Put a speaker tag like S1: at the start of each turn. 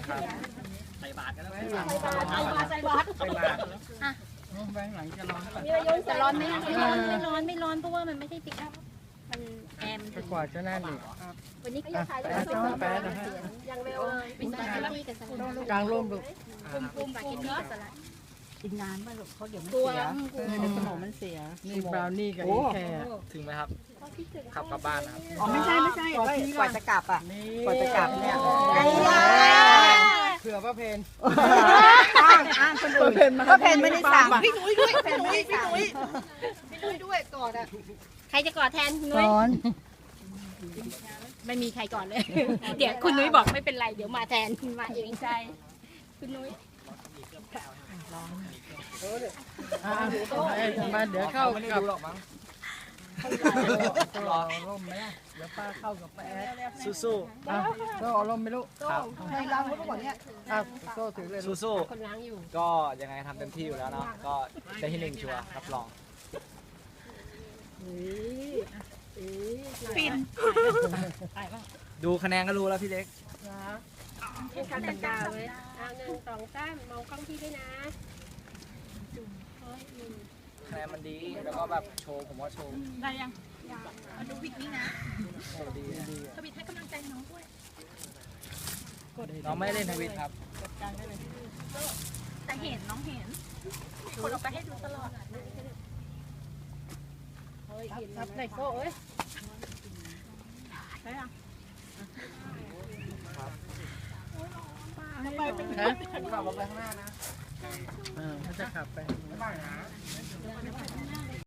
S1: ใส่บาตรกันแล้ว
S2: ใส่บาตรอ่ะแบงหลังจะร้อนจะร้อนไหมไม่ร้อนเพราะว่ามันไม่ใช่ปิกอัพมันแอมกว่าจะนั่นอีกวันนี้ก็ยังขายแป๊ดนะฮะยังเร็วเป็นสลัดที่กับสลัดกลางร่มดูปุ่มปาเกตตี้สลัด
S3: กินนานมากลูกเขาเดี๋ยวมันเสียในสมองมันเสียนี่บราวนี่กับแค่
S1: ถึงไหมครับขับกลับบ้านนะครับ
S3: อ๋อไม่ใช่กว่าจะกลับอ่ะกว่าจะกลับเนี่ย
S2: เผื่อป้าเพน
S3: อ้างคนอื่นป้าเพนไม่ได้สั่ง
S2: พี่นุ้ยด้วยพี่นุ้ยด้วยกอดอ่ะ
S4: ใครจะกอดแทนคุณนุ้ยไม่มีใครกอดเลยเดี๋ยวคุณนุ้ยบอกไม่เป็นไรเดี๋ยวมาแทนมาเองใช่คุณนุ้ย
S2: มาเดี๋ยวเข้ากับรอร่มไหมเดี๋ยวป้าเข้ากับป้าแอด
S1: สู้
S2: ๆก็เอาร่มไม่รู้
S1: ครับ
S2: ในล้างรถก่อนเนี่ยโซ่ถือเลย
S1: สู้ๆก็ยังไงทำเต็มที่อยู่แล้วเนาะก็ได้ที่1ชัวร์รับรอง
S4: ปิน
S1: ดูคะแนนก็รู้แล้วพี่เล็ก
S4: เป็นการแต่งกาเลย1 2 3มองกล้องพี่ด้วยนะคะ
S1: แนนมันดีแล้วก็แบบโชว์ผมว่าโชว์
S4: ได้ยังมาดูวิกนี้นะ
S1: โชว์ดี
S4: ทวิตให้กำลังใจน้องด้วย
S1: น้องไม่เล่นทวิตครับ
S4: แต่เห็นน้องเห็นคนออกไปให้ดูตลอดรับไหนโซ่เอ้ยได้ยัง
S2: ไปเป็นขับรถไปข้างหน้านะเขาจะขับไปบ้างนะ